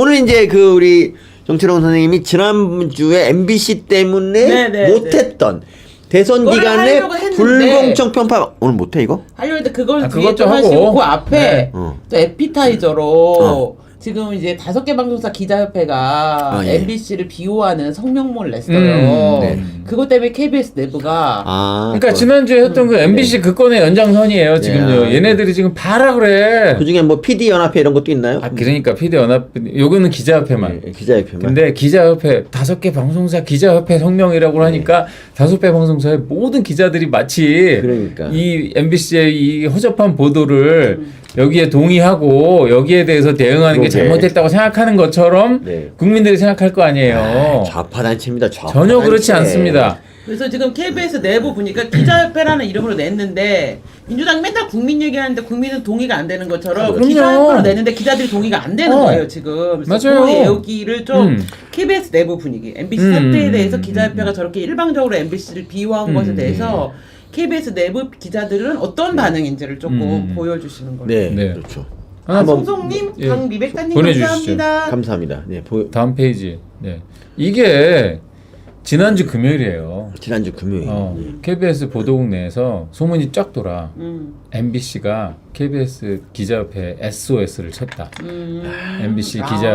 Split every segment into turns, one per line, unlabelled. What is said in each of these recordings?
오늘 이제 그 우리 정철홍 선생님이 지난주에 MBC 때문에 못했던 대선 기간에 불공정 편파 오늘 못해 이거?
하려고 했는데 그걸 뒤에
그것도
좀 하시고
하고.
그 앞에
네.
또 에피타이저로 지금 이제 5개 방송사 기자협회가
예.
MBC를 비호하는 성명문을 냈어요.
네.
그것 때문에 KBS 내부가
그러니까 지난주에 했던 그 MBC 그 건의 연장선이에요. 지금요. 얘네들이 지금 봐라 그래.
그중에 뭐 PD 연합회 이런 것도 있나요?
그러니까 PD 연합 요거는 기자협회만.
기자협회만.
근데 기자협회 5개 방송사 기자협회 성명이라고 하니까 5개 방송사의 모든 기자들이 마치
그러니까.
이 MBC의 이 허접한 보도를 여기에 동의하고 여기에 대해서 대응하는 게 잘못됐다고 생각하는 것처럼 국민들이 생각할 거 아니에요.
좌파 단체입니다. 좌파
전혀
단체.
그렇지 않습니다.
그래서 지금 KBS 내부 보니까 기자협회라는 이름으로 냈는데 민주당이 맨날 국민 얘기하는데 국민은 동의가 안 되는 것처럼
그럼요.
기자협회로 냈는데 기자들이 동의가 안 되는 거예요 지금. 그래서
맞아요.
그 여기를 좀 KBS 내부 분위기, MBC 사태에 대해서 기자협회가 저렇게 일방적으로 MBC를 비호한 것에 대해서 KBS 내부 기자들은 어떤 반응인지를 조금 보여주시는 거예요.
네, 그렇죠.
송송님, 강미백사님
보내주시죠.
감사합니다.
감사합니다. 네,
다음 페이지. 네. 이게 지난주 금요일이에요.
지난주 금요일.
KBS 보도국 내에서 소문이 쫙 돌아. MBC가 KBS 기자협회 SOS를 쳤다. MBC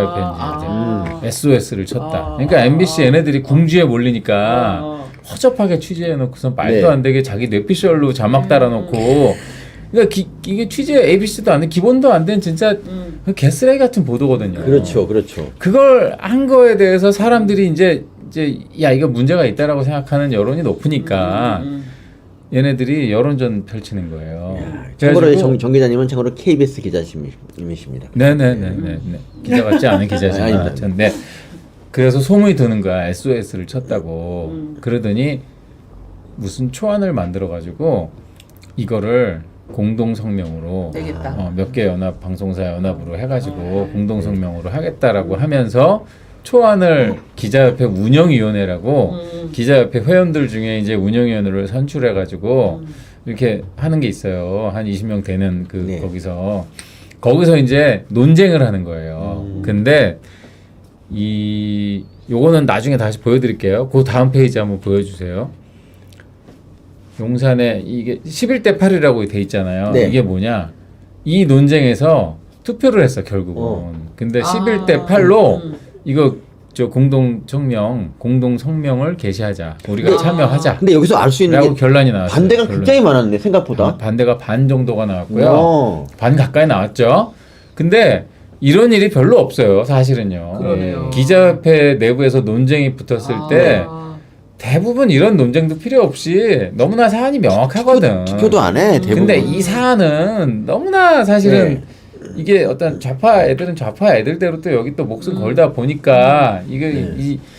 기자협회 SOS를 쳤다. 그러니까 MBC 얘네들이 궁지에 몰리니까 허접하게 취재해놓고서 말도 안 되게 자기 뇌피셜로 자막 달아놓고 그러니까 이게 취재 ABC도 안 돼, 기본도 안 된 진짜 개쓰레기 같은 보도거든요.
그렇죠.
그걸 한 거에 대해서 사람들이 이제 야 이거 문제가 있다라고 생각하는 여론이 높으니까 얘네들이 여론전 펼치는 거예요.
참고로 정 기자님은 참고로 KBS 기자님이십니다.
네네네네. 기자 같지 않은 기자지만 네. 그래서 소문이 드는 거야. SOS를 쳤다고. 그러더니 무슨 초안을 만들어 가지고 이거를 공동 성명으로 몇 개 연합 방송사 연합으로 해가지고 공동 성명으로 하겠다라고 하면서 초안을 기자협회 운영위원회라고 기자협회 회원들 중에 이제 운영위원회를 선출해가지고 이렇게 하는 게 있어요. 한 20명 되는 그 거기서 이제 논쟁을 하는 거예요. 근데 요거는 나중에 다시 보여드릴게요. 그 다음 페이지 한번 보여주세요. 용산에 이게 11대 8이라고 돼 있잖아요. 이게 뭐냐? 이 논쟁에서 투표를 했어 결국은. 근데 11대 8로 이거 공동 성명을 게시하자. 우리가 참여하자.
근데 여기서 알 수 있는 게
결론이 나왔어요.
반대가 굉장히 많았네 생각보다.
반대가 반 정도가 나왔고요. 반 가까이 나왔죠. 근데 이런 일이 별로 없어요, 사실은요.
그러네요.
기자협회 내부에서 논쟁이 붙었을 때 대부분 이런 논쟁도 필요 없이 너무나 사안이 명확하거든.
투표도 안 해. 대부분.
근데 이 사안은 너무나 사실은 이게 어떤 좌파 애들대로 또 여기 또 목숨 걸다 보니까 이게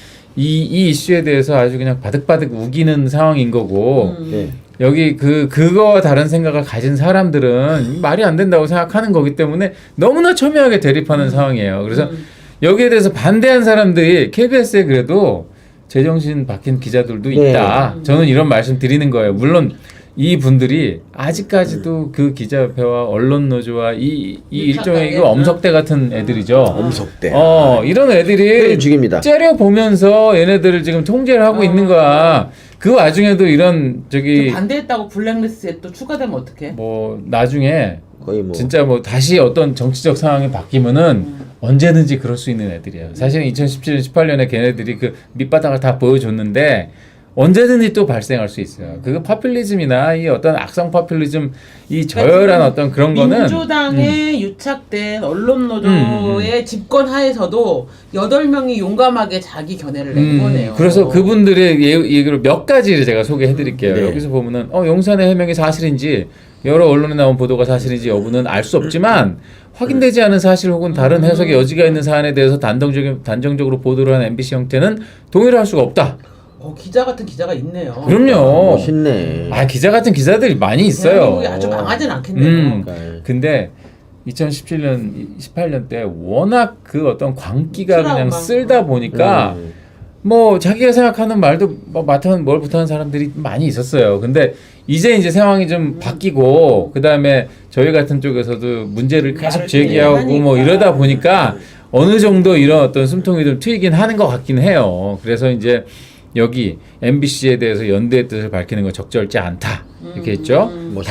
이 이슈에 대해서 아주 그냥 바득바득 우기는 상황인 거고 여기 그거와 다른 생각을 가진 사람들은 말이 안 된다고 생각하는 거기 때문에 너무나 첨예하게 대립하는 상황이에요. 그래서 여기에 대해서 반대한 사람들이 KBS에 그래도 제정신 박힌 기자들도 있다. 저는 이런 말씀 드리는 거예요. 물론 이 분들이 아직까지도 그 기자협회와 언론노조와 이 일종의 이거 엄석대 같은 애들이죠.
엄석대.
이런 애들이
죽입니다.
째려 보면서 얘네들을 지금 통제를 하고 있는 거야. 그 와중에도 이런
반대했다고 블랙리스트에 또 추가되면 어떡해?
뭐 나중에
거의
진짜 뭐 다시 어떤 정치적 상황이 바뀌면은 언제든지 그럴 수 있는 애들이에요. 사실은 2017년, 18년에 걔네들이 그 밑바닥을 다 보여줬는데 언제든지 또 발생할 수 있어요. 그 파퓰리즘이나 이 어떤 악성 파퓰리즘, 이 저열한 어떤 그런 거는
민주당에 유착된 언론노조의 집권 하에서도 8명이 용감하게 자기 견해를 낸 거네요.
그래서 그분들의 얘기를 몇 가지를 제가 소개해드릴게요. 여기서 보면은 용산의 해명이 사실인지 여러 언론에 나온 보도가 사실인지 여부는 알 수 없지만 확인되지 않은 사실 혹은 다른 해석의 여지가 있는 사안에 대해서 단정적으로 보도를 한 MBC 형태는 동의를 할 수가 없다.
기자 같은 기자가 있네요.
그럼요.
멋있네.
기자 같은 기자들이 많이 있어요.
대한민국이 아주 망하진 않겠네요.
근데 2017년, 18년 때 워낙 그 어떤 광기가 그냥 쓸다 보니까 뭐 자기가 생각하는 말도 뭐 뭘 못하는 사람들이 많이 있었어요. 근데 이제 상황이 좀 바뀌고 그 다음에 저희 같은 쪽에서도 문제를 계속 제기하고 뭐 이러다 보니까 어느 정도 이런 어떤 숨통이 좀 트이긴 하는 것 같긴 해요. 그래서 이제 여기 MBC에 대해서 연대의 뜻을 밝히는 건 적절치 않다 이렇게 했죠.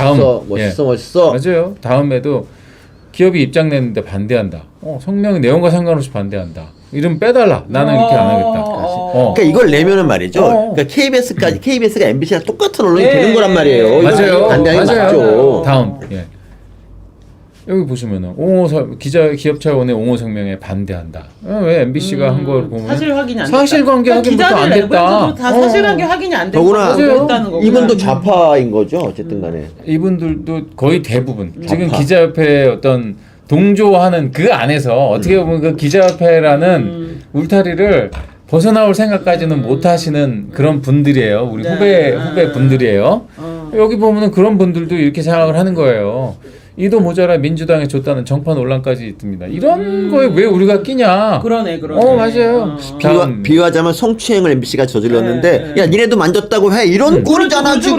멋있어.
맞아요. 다음에도 기업이 입장 냈는데 반대한다. 성명의 내용과 상관없이 반대한다. 이름 빼달라. 나는 이렇게 안 하겠다.
그러니까 이걸 내면은 말이죠. 그러니까 KBS가 MBC랑 똑같은 언론이 되는 거란 말이에요.
맞아요.
반대하는 게 맞죠.
다음. 여기 보시면은 기업 차원의 옹호 성명에 반대한다. 왜 MBC가 한 걸 보면
사실 확인이 안 됐다.
사실관계 확인부터 안 됐다.
다 사실관계 확인이 안 됐다는
더구나
거구나.
이분도 좌파인 거죠. 어쨌든 간에.
이분들도 거의 대부분 지금 기자협회 어떤 동조하는 그 안에서 어떻게 보면 그 기자협회라는 울타리를 벗어나올 생각까지는 못 하시는 그런 분들이에요. 우리 후배 분들이에요. 여기 보면은 그런 분들도 이렇게 생각을 하는 거예요. 이도 모자라 민주당에 줬다는 정파 논란까지 있습니다. 이런 거에 왜 우리가 끼냐?
그러네.
맞아요.
비유하자면 성추행을 MBC가 저질렀는데 야 니네도 만졌다고 해 이런 꼴이잖아 지금.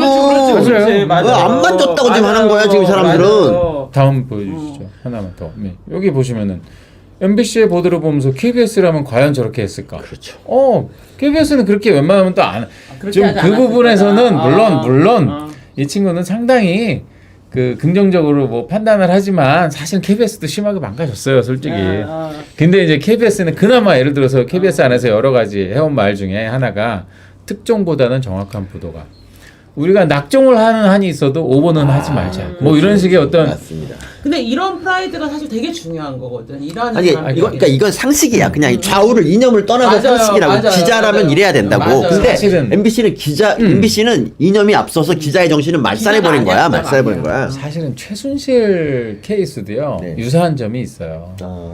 안 만졌다고 지금 하는 거야 지금 이 사람들은.
맞아요.
다음 보여주시죠. 하나만 더. 여기 보시면은 MBC의 보도를 보면서 KBS라면 과연 저렇게 했을까?
그렇죠.
KBS는 그렇게 웬만하면 또 안. 좀 그 부분에서는 물론 이 친구는 상당히 긍정적으로 뭐 판단을 하지만 사실 KBS도 심하게 망가졌어요, 솔직히. 근데 이제 KBS는 그나마 예를 들어서 KBS 안에서 여러 가지 해온 말 중에 하나가 특종보다는 정확한 보도가. 우리가 낙종을 하는 한이 있어도 오버는 하지 말자. 뭐 이런 식의 어떤.
맞습니다.
근데 이런 프라이드가 사실 되게 중요한 거거든.
그러니까 이건 상식이야. 그냥 좌우를 이념을 떠나서 상식이라고. 기자라면 이래야 된다고. 근데
사실은
MBC는 이념이 앞서서 기자의 정신을 말살해버린 거야.
사실은 최순실 케이스도요. 유사한 점이 있어요.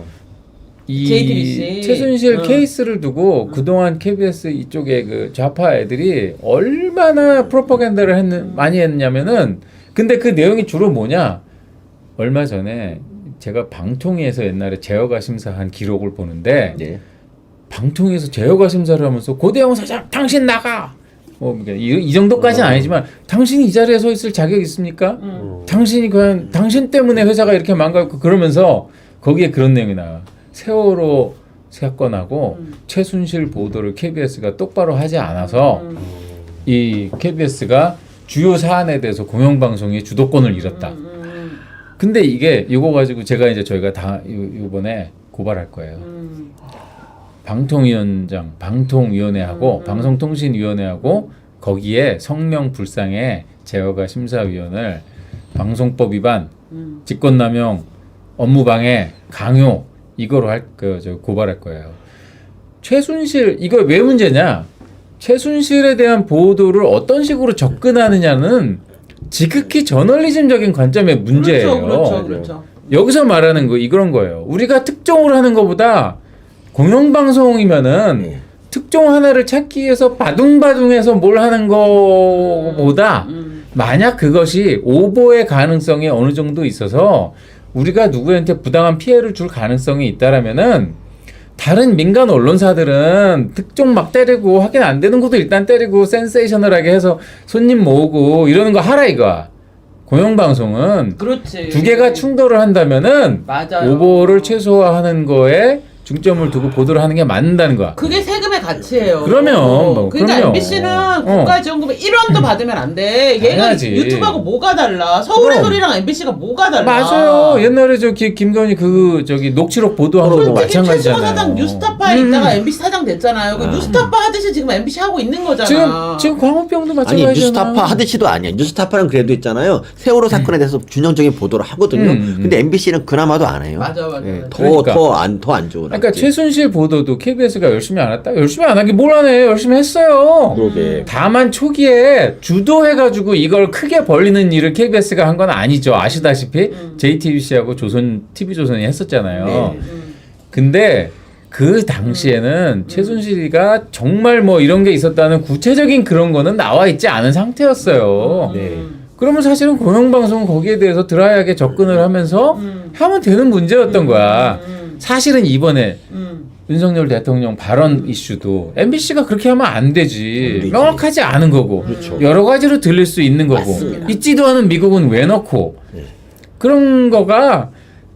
이
JTBC.
최순실 케이스를 두고 그동안 KBS 이쪽에 그 좌파 애들이 얼마나 프로파간다를 많이 했냐면은 근데 그 내용이 주로 뭐냐? 얼마 전에 제가 방통위에서 옛날에 제어가 심사한 기록을 보는데 방통위에서 제어가 심사를 하면서 고대영 사장 당신 나가! 이 정도까지는 아니지만 당신이 이 자리에 서 있을 자격이 있습니까? 당신이 그냥 당신 때문에 회사가 이렇게 망가졌고 그러면서 거기에 그런 내용이 나와. 세월호 사건하고 최순실 보도를 KBS가 똑바로 하지 않아서 이 KBS가 주요 사안에 대해서 공영방송의 주도권을 잃었다. 근데 이거 가지고 저희가 다 이번에 고발할 거예요. 방통위원회하고 방송통신위원회하고 거기에 성명불상의 제어가 심사위원을 방송법 위반, 직권남용, 업무방해, 강요 이거로 고발할 거예요. 최순실 이거 왜 문제냐? 최순실에 대한 보도를 어떤 식으로 접근하느냐는 지극히 저널리즘적인 관점의 문제예요.
그렇죠.
여기서 말하는 거 이런 거예요. 우리가 특종을 하는 것보다 공영방송이면은 특종 하나를 찾기 위해서 바둥바둥해서 뭘 하는 거보다 만약 그것이 오보의 가능성이 어느 정도 있어서 우리가 누구한테 부당한 피해를 줄 가능성이 있다라면은 다른 민간 언론사들은 특종 막 때리고 확인 안 되는 것도 일단 때리고 센세이셔널하게 해서 손님 모으고 이러는 거 하라 이거야. 공영방송은
그렇지.
두 개가 충돌을 한다면은 오보를 최소화하는 거에 중점을 두고 보도를 하는 게 맞는다는 거야.
그게 세금의 가치예요.
그러면
그러니까 MBC는 국가지원금을 1원도 받으면 안 돼. 얘가
당연하지.
유튜브하고 뭐가 달라? 서울의 소리랑 MBC가 뭐가 달라?
맞아요. 옛날에 김건희 녹취록 보도한 것도 마찬가지잖아요.
최수호 사장 뉴스타파에 있다가 MBC 사장 됐잖아요. 그 뉴스타파 하듯이 지금 MBC 하고 있는 거잖아.
지금 광우병도 마찬가지잖아.
아니 뉴스타파 하듯이도 아니야. 뉴스타파는 그래도 있잖아요. 세월호 사건에 대해서 균형적인 보도를 하거든요. 근데 MBC는 그나마도 안 해요.
맞아.
더 안 좋은.
그러니까 최순실 보도도 KBS가 열심히 안 했다? 열심히 안 하기 뭘 하네. 열심히 했어요.
그러게.
다만 초기에 주도해가지고 이걸 크게 벌리는 일을 KBS가 한 건 아니죠. 아시다시피 JTBC하고 TV조선이 했었잖아요. 근데 그 당시에는 최순실이가 정말 뭐 이런 게 있었다는 구체적인 그런 거는 나와 있지 않은 상태였어요. 그러면 사실은 공영방송은 거기에 대해서 드라이하게 접근을 하면서 하면 되는 문제였던 거야. 사실은 이번에 윤석열 대통령 발언 이슈도 MBC가 그렇게 하면 안 되지. 명확하지 않은 거고
그렇죠.
여러 가지로 들릴 수 있는 거고
맞습니다.
있지도 않은 미국은 왜 넣고 그런 거가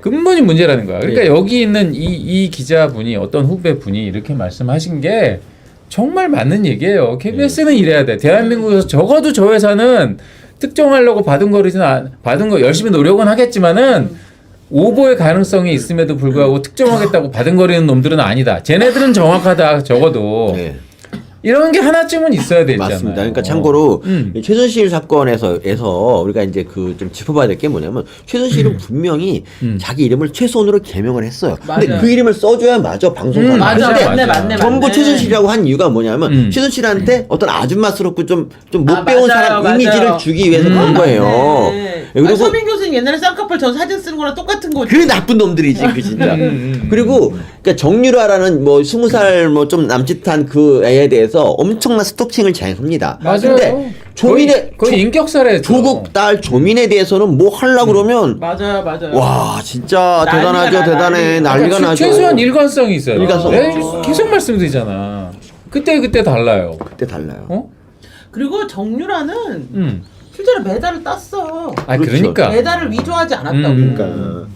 근본이 문제라는 거야. 그러니까 여기 있는 이 기자분이 어떤 후배분이 이렇게 말씀하신 게 정말 맞는 얘기예요. KBS는 이래야 돼. 대한민국에서 적어도 저 회사는 특정하려고 받은 거 열심히 노력은 하겠지만은 오보의 가능성이 있음에도 불구하고 특정하겠다고 받은거리는 놈들은 아니다. 쟤네들은 정확하다. 적어도 이런 게 하나쯤은 있어야 되잖아요.
맞습니다. 그러니까 참고로 최순실 사건에서 우리가 이제 그 좀 짚어봐야 될 게 뭐냐면 최순실은 분명히 자기 이름을 최소원으로 개명을 했어요. 근데
맞아요.
그 이름을 써줘야 맞아 방송사.
맞네.
전부 최순실이라고 한 이유가 뭐냐면 최순실한테 어떤 아줌마스럽고 좀 못 배운 사람 이미지를 주기 위해서 그런 거예요.
그리고 서민 교수님 옛날에 쌍꺼풀 저 사진 쓰는 거랑 똑같은 거지.
그래 나쁜 놈들이지 그 진짜. 그리고 그러니까 정유라라는 뭐 20살 뭐 좀 남짓한 그 애에 대해서 엄청난 스토킹을 자행합니다.
맞아요.
근데
거의 인격살해.
조국 딸 조민에 대해서는 뭐 하려고 그러면
맞아요.
와 진짜
난리가
대단해 난리가 나죠.
최소한 일관성이 있어요.
일관성.
계속 말씀드리잖아. 그때 달라요.
그때 달라요.
어?
그리고 정유라는 실제로 메달을 땄어.
아
그렇죠.
그러니까
메달을 위조하지 않았다고.
그러니까